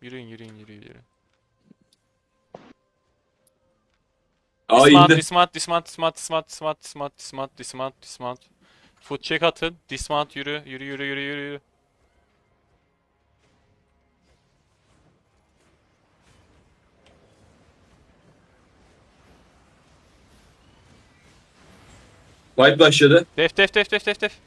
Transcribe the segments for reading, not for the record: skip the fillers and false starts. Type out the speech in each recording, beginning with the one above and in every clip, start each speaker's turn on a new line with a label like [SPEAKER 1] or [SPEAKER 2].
[SPEAKER 1] Yürüyün yürüyün yürüyün yürüyün.
[SPEAKER 2] Aa
[SPEAKER 1] Dismount,
[SPEAKER 2] indi.
[SPEAKER 1] dismount, dismount, dismount, dismount, dismount, dismount, dismount, dismount, dismount. Foot check atın. Dismount yürü, yürü, yürü, yürü, yürü, yürü.
[SPEAKER 2] Fight başladı.
[SPEAKER 1] Def, def, def, def, def, def.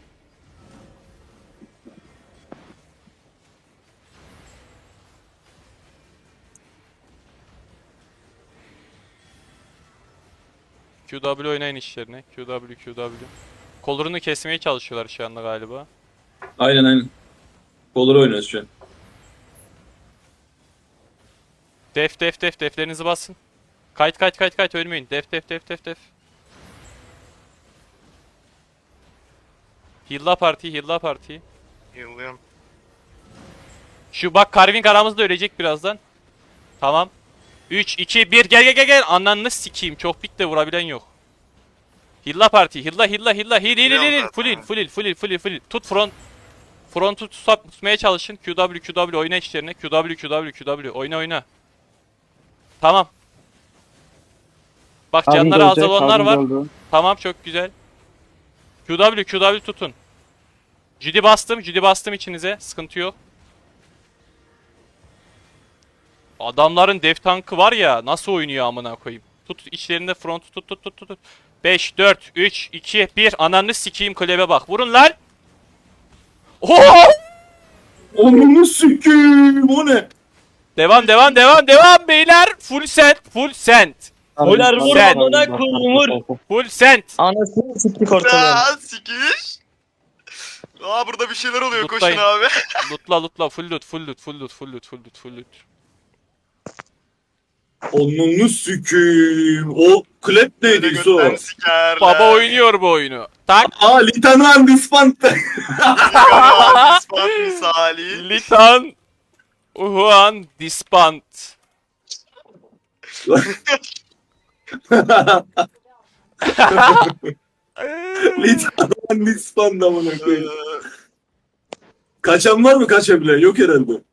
[SPEAKER 1] QW oynayın işlerine. QW, QW. Kollarını kesmeye çalışıyorlar şu anda galiba.
[SPEAKER 2] Aynen aynen. Kolları oynuyoruz şu an.
[SPEAKER 1] Def, def, def, deflerinizi basın. Kayıt, kayıt, kayıt, kayıt, ölmeyin. Def, def, def, def, def. Heal'la parti, heal'la parti.
[SPEAKER 3] Yıllıyorum.
[SPEAKER 1] Şu bak Carving aramızda ölecek birazdan. Tamam. 3, 2, 1 gel gel gel gel. Ananı sikeyim. Çok pik de vurabilen yok. Hilla parti. Hilla hilla hilla. Heal. Full heal. Full heal. Full heal. Full heal. Full heal. Tut front. Front'u tutmaya çalışın. QW oyna işlerine. QW oyna oyna. Tamam. Bak canları az olanlar var. Tamam çok güzel. QW tutun. Judy bastım içinize. Sıkıntı yok. Adamların dev tankı var ya nasıl oynuyor amına koyayım. Tut içlerinde front tut. 5 4 3 2 1 ananı sikeyim kulebe bak. Vurun lan. Oho!
[SPEAKER 2] Onunu sikiyim o ne?
[SPEAKER 1] Devam beyler. Full send.
[SPEAKER 4] Beyler vur
[SPEAKER 1] Sen.
[SPEAKER 4] amına koyayım vur.
[SPEAKER 1] Full send.
[SPEAKER 4] Anasını siktik ortadan.
[SPEAKER 3] Aa sikiş. Aa burada bir şeyler oluyor
[SPEAKER 1] Lootlayın.
[SPEAKER 3] koşun abi.
[SPEAKER 1] Lootla full loot.
[SPEAKER 2] Onunu sikiyim. O klep
[SPEAKER 3] Böyle
[SPEAKER 2] neydi İso?
[SPEAKER 3] götten sikerler.
[SPEAKER 1] Baba oynuyor bu oyunu. Tak.
[SPEAKER 2] Aa Litanan Dispanta.
[SPEAKER 3] Gariban ispat misali.
[SPEAKER 1] Litan. Uhuan Dispant.
[SPEAKER 2] Litanan Dispanta amına
[SPEAKER 3] Ee,
[SPEAKER 2] koyayım. Kaçan var mı kaçabilen? Yok herhalde.